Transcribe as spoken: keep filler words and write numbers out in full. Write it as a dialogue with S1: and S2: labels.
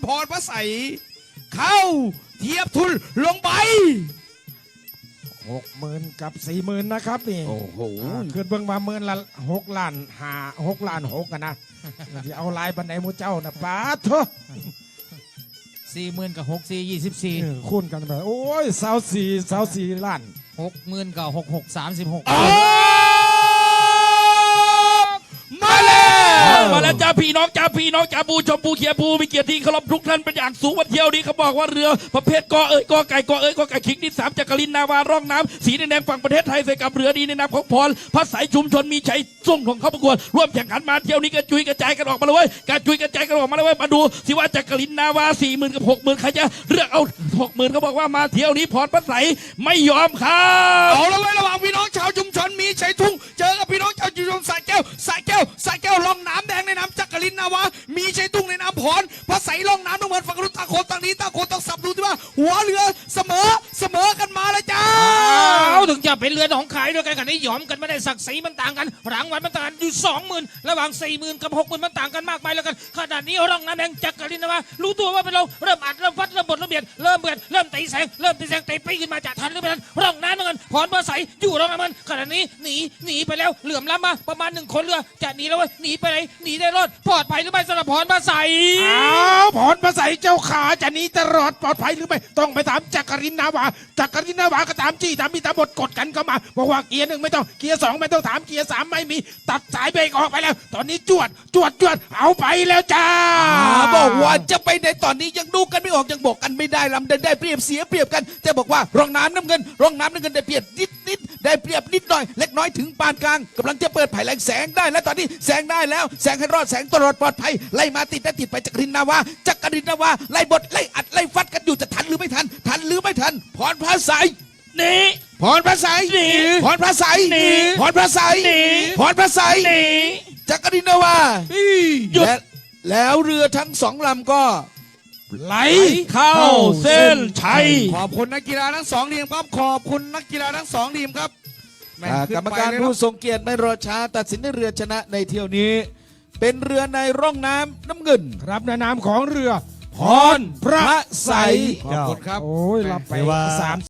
S1: พรพระใสเข้าเทียบทุนลงไป
S2: หกหมื่นกับสี่หมื่นนะครับนี่
S1: โอ้โห
S2: ขึ้นเบิ่งมาหมื่นละหกล้านหาหกล้านหกกันนะที่เอาลายบันไดมูเจ้านะป้าเถอะ
S3: สี่หมื่นกับหกสี่ยี่สิบสี่
S2: คูณกันไปโอ้ยสาวสี่สาวสี่ล้าน
S3: หกหมื่นกับหกหกสามสิบหก
S1: มาแล้ว
S4: มาแล้วจ้าพี่น้องจ้าพี่น้องจ้าปูชมปูเขียปูมีเกียรติที่เคารพทุกท่านเป็นอย่างสูงวันเที่ยวนี้เขาบอกว่าเรือประเภทกอเอ้ยกอไก่กอเอ้ยกอไก่ขิงที่สามจักรินนาวาร่องน้ำสีแดงฝั่งประเทศไทยใส่กับเรือดีในนามของพรพระสายชุมชนมีชัยส่งของเขาประกวดร่วมแข่งขันมาเที่ยวนี้กระจุยกระจายกันออกมาเลยเว้ยกระจุยกระจายกันออกมาเลยเว้ยมาดูสิว่าจักรินนาวาสี่หมื่นกับหกหมื่นใครจะเลือกเอาหกหมื่นเขาบอกว่ามาเที่ยวนี้พรพระสายไม่ยอมครับ
S1: เอาละไว้ระหว่างพี่น้องชาวชุมชนมีชัยทุ่งเจอกับพี่น้องชาวชุมชนสายแก้วสายแก้วสายแก้วล่องน้ำแดงในน้ำจักรินนาวามีชัยทุ่งในน้ำพรพระใสล่องน้ำต้องเหมือนฝั่งรุ่นตาโคนต่างนี้ตาโคนต้องสับดูที่ว่าหัวเรือเสมอเสมอกันมาเลยจ้า
S3: เอาถึงจะเป็นเรือของขายด้วยกันกันนี้ยอมกันไม่ได้ศักดิ์ศรีมันต่างกันรางวัลมันต่างกันอยู่สองหมื่นระหว่างสี่หมื่นกับหกหมื่นมันต่างกันมากมายแล้วกันขนาดนี้ร่องน้ำแดงจักรินนาวารู้ตัวว่าเป็นเราเริ่มอัดเริ่มฟัดเริ่มบดเริ่มเบียดเริ่มเบียดเริ่มตีแสงเริ่มตีแสงตีปีขึ้นมาจะทันหรือไม่ทันร่องน้ำมันพรพระใสอยู่ร่องน้ำมันขนาดนี้หนีหนีไปแล้วเหลื่อมล้ำมาประมาณหนึ่งคนเรือจะหนีแล้วเว้ยหนีไปไหนหนีได้รอดปลอดภัยหรือไม่สำหรับพรพระใส
S2: อ้าวพรพระใสเจ้าขาจะหนีตลอดปลอดภัยหรือไม่ต้องไปถามจักรินนาวาจักรินนาวาก็ตามจี้ตามมีตามบทกดกันเข้ามาบอกว่าเกียร์หนึ่งไม่ต้องเกียร์สองไม่ต้องถามเกียร์สามไม่มีตัดสายเบรกออกไปแล้วตอนนี้จวดจวดจวดเอาไปแล้วจ้า
S1: บอกว่าจะไปในตอนนี้ยังดูกันไม่ออกยังบอกกันไม่ได้ลำเดินได้เปรียบเสียเปรียบกันแต่บอกว่าร่องน้ำน้ำเงินร่องน้ำน้ำเงินได้เปรียบนิดนิดได้เปรียบนิดหน่อยเล็กน้อยถึงปานกลางกำลังจะเปิดไผ่แรงแสงได้แล้วตอนนี้แสงได้แล้วแสงให้รอดแสงตลอดปลอดภัยไล่มาติดได้ติดไปจักรินนาวาจักรินนาวาไล่บดไล่อัดไล่ฟัดกันอยู่จะทันหรือไม่ทันทันหรือไม่ทันพรพระใส
S4: หนี
S1: พรพระใสหนีพรพระใสหนีพรพระใสหนีพรพระใสหนีจักรินนาวาหยุดแล้วเรือทั้งสองลำก็
S4: ไหลเข้าเส้นชัย
S1: ขอบคุณนักกีฬาทั้งสองทีมครับขอบคุณนักกีฬาทั้งสองทีมครับกรรมการผู้ทรงเกียรติไม่รอช้าตัดสินในเรือชนะในเที่ยวนี้เป็นเรือในร่องน้ำน้ำเงิน
S2: ครับในนามของเรือ
S1: พรพระใสขอบคุณครับ
S2: โอ้ยรับไปสาม